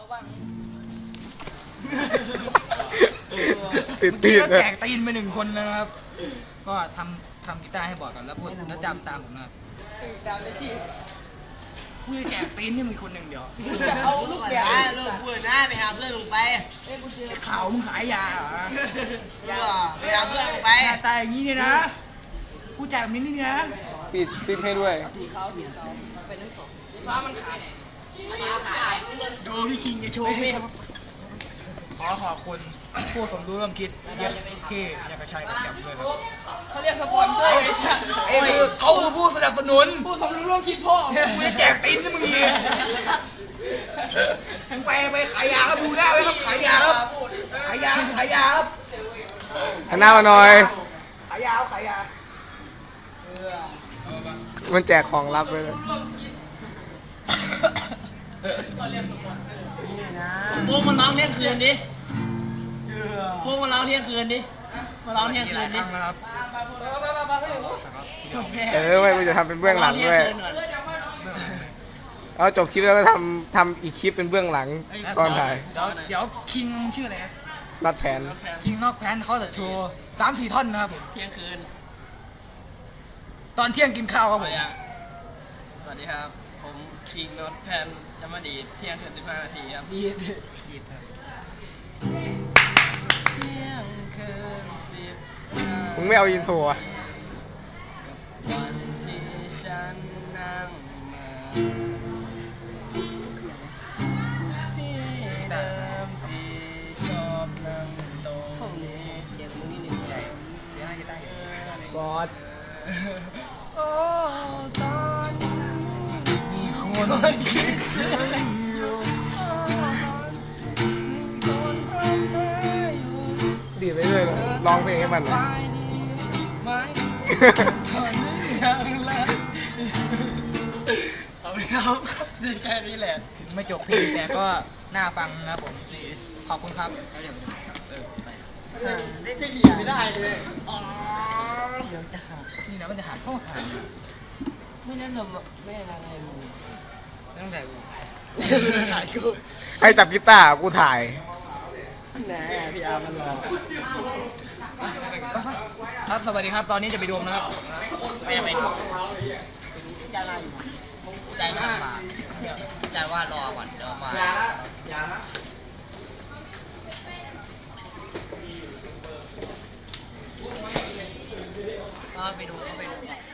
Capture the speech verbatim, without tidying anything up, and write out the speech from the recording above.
บ้างติดเมื่อติกี้ดก็นะแจกตีนไปหนึ่งคนนะครับ ก็ทำทำกีตาร์ให้บอดก่อนแล้วพูดแล้วจำตามผมนะครับจำได้ที่กูจะแจกตีนนี่มึงคนหนึ่งเดียวจะเอาลูกแก้วลูกพูดนะไปหาเพื่อนลงไปข่าวมึงขายยาเหรอไปหาเพื่อนลงไปหน้าตาอย่างนี้เนี่ยนะกูแจกแบบนี้นี่นะปิดซิปให้ด้วยฟ้ามันขายดูพี่คิงจะโชว์พี่ขอขอบคุณผู้สมรู้ร่วมคิดเย็บที่อยากกระชัยกับแกมด้วยครับเขาเรียกสปอนเซอร์ไอ้คือเขาคือผู้สนับสนุนผู้สมรู้ร่วมคิดพ่อกูจะแจกตีนนี่มึงอีกมึงไปไปขายยาครับดูได้ไหมครับขายยาครับขายยาขายยาครับหันหน้ามาหน่อยขายยาขายยามันแจกของลับไปเลยพวกมันร้องเที่ยงคืนดิพวกมันร้องเที่ยงคืนดิมาร้องเที่ยงคืนดินะครับเออไม่กูจะทำเป็นเบื้องหลังด้วยเอาจบคลิปแล้วก็ทำทำอีกคลิปเป็นเบื้องหลังตอนถ่ายเดี๋ยวเดี๋ยวคิงชื่ออะไรครับรัดแผนคิงนอกแพนเขาจะโชว์สามสี่ท่อนนะครับผมเที่ยงคืนตอนเที่ยงกินข้าวครับผมสวัสดีครับ ผมคิงโนตแพนจะมาดีเที่ยงคืนสิบห้านาทีครับดีดดีดครับเที่ยงคืนสิบมึงไม่เอาอินโทรอ่ะวันที่ฉันนั่งมาที่เดิมที่ชอบนั่งตรงนี้เดี๋ยวมึงนี่หนึ่งใจบอสโอ้ตอนนี้มีคนคิดถึงอยู่คนพร้อมเธออยู่ดีดไปด้วยนะร้องเพลงให้มันหน่อยไปดีไหมตอนนี้ยังละเอาไปครับดีแค่นี้แหละถึงไม่จบเพลงแต่ก็น่าฟังนะครับผมขอบคุณครับได้จะเหยียบไม่ได้เลยอ๋อเดี๋ยวจะหักนี่นะมันจะหาเข้าขาไม่นั่นหรอกไม่อะไรมึงตั้งแต่ถ่ายกูให้จับกีตาร์กูถ่ายแหนพี่อาร์มันรอครับสวัสดีครับตอนนี้จะไปดูนะครับไม่ไปดูจะอะไรใจหน้าป่าใจว่ารอก่อนเดี๋ยวมาอย่านะก็ไปดูก็ไปดู